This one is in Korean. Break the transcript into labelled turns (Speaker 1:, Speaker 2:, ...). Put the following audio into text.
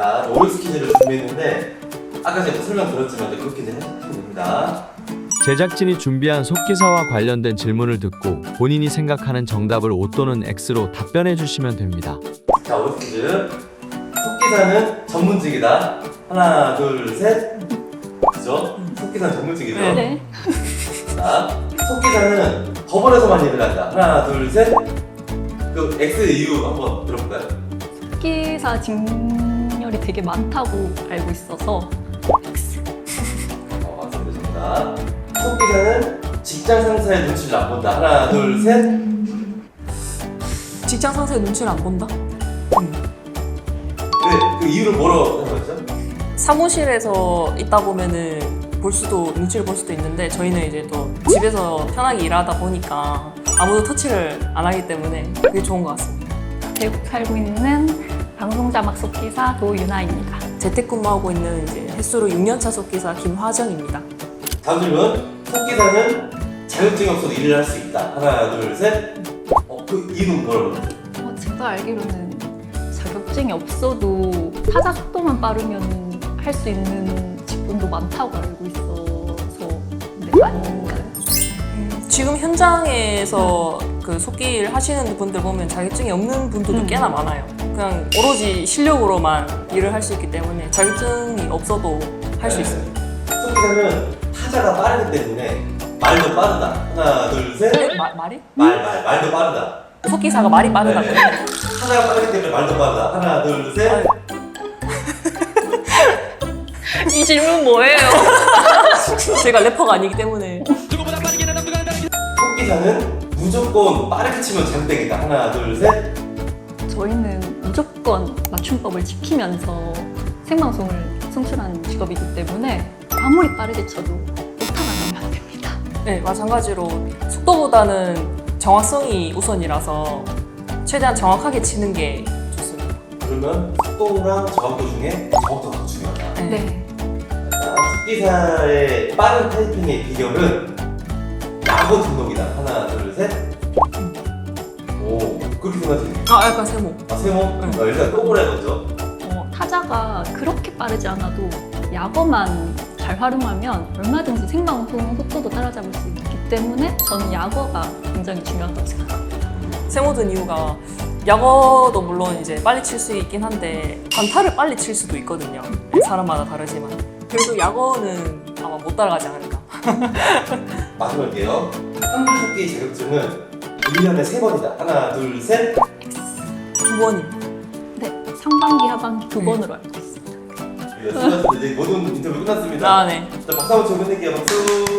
Speaker 1: 자, 오류 퀴즈를 준비했는데 아까 제가 설명드렸지만 그렇게 이제 하시면 됩니다.
Speaker 2: 제작진이 준비한 속기사와 관련된 질문을 듣고 본인이 생각하는 정답을 O 또는 X로 답변해 주시면 됩니다.
Speaker 1: 자, 오류 퀴즈. 속기사는 전문직이다. 하나, 둘, 셋. 그죠? 속기사는 전문직이죠?
Speaker 3: 네.
Speaker 1: 자, 속기사는 법원에서만 일을 한다. 하나, 둘, 셋. 그 X 이유 한번 들어볼까요?
Speaker 3: 속기사 직렬이 되게 많다고 알고 있어서 X.
Speaker 1: 맞습니다. 속기사는 직장 상사의 눈치를 안 본다. 하나, 둘, 셋.
Speaker 4: 직장 상사의 눈치를 안 본다?
Speaker 1: 그 이유를 뭐라고 생각하죠?
Speaker 4: 사무실에서 있다 보면은 눈치를 볼 수도 있는데 저희는 이제 또 집에서 편하게 일하다 보니까 아무도 터치를 안 하기 때문에 그게 좋은 것 같습니다.
Speaker 3: 대구 살고 있는 방송자막 속기사 도유나입니다.
Speaker 4: 재택근무하고 있는 이제 횟수로 6년차 속기사 김화정입니다.
Speaker 1: 다음 질문. 속기사는 자격증이 없어도 일을 할 수 있다. 하나, 둘, 셋. 그 이유는 뭐라고?
Speaker 3: 제가 알기로는 자격증이 없어도 타자 속도만 빠르면 할 수 있는 직군도 많다고 알고 있어서 네, 아닌가요?
Speaker 4: 지금 현장에서 그 속기를 하시는 분들 보면 자격증이 없는 분들도 꽤나 많아요. 그냥 오로지 실력으로만 일을 할 수 있기 때문에 자격증이 없어도 할 수 있습니다.
Speaker 1: 속기사는 타자가 빠르기 때문에 말도 빠르다. 하나, 둘, 셋.
Speaker 4: 말이?
Speaker 1: 말도 빠르다.
Speaker 4: 속기사가 말이 빠르다고요?
Speaker 1: 네. 타자가 빠르기 때문에 말도 빠르다. 하나, 둘, 셋.
Speaker 3: 이 질문 뭐예요?
Speaker 4: 제가 래퍼가 아니기 때문에
Speaker 1: 속기사는 무조건 빠르게 치면 장땡이다. 하나, 둘, 셋.
Speaker 3: 저희는 무조건 맞춤법을 지키면서 생방송을 송출하는 직업이기 때문에 아무리 빠르게 쳐도 오타가 나면 안 됩니다.
Speaker 4: 네, 마찬가지로 속도보다는 정확성이 우선이라서 최대한 정확하게 치는 게 좋습니다.
Speaker 1: 그러면 속도랑 정확도 중에 정확도가 더 중요하다.
Speaker 3: 네.
Speaker 1: 자, 속기사의 빠른 타이핑의 비결은 야구 등록이다. 하나, 둘, 셋. 오, 그렇게 생각하시네요.
Speaker 4: 약간 세모.
Speaker 1: 세모? 일단 동그래 먼저.
Speaker 3: 타자가 그렇게 빠르지 않아도 약어만 잘 활용하면 얼마든지 생방송 속도도 따라잡을 수 있기 때문에 저는 약어가 굉장히 중요하다고 생각합니다.
Speaker 4: 세모 든 이유가 야구도 물론 이제 빨리 칠 수 있긴 한데 단타를 빨리 칠 수도 있거든요. 사람마다 다르지만 그래도 야구는 아마 못 따라가지 않을까.
Speaker 1: 마지막이에요. 한글 속기 자격증은 1년에 3번이다. 하나, 둘, 셋.
Speaker 4: 2번입니다.
Speaker 3: 네, 상반기, 하반기 두 번으로 알고 있습니다.
Speaker 1: 수고하셨습니다. 이제 모든 인터뷰 끝났습니다.
Speaker 4: 네.
Speaker 1: 자, 박수 한번 쳐 끝낼게요. 박수.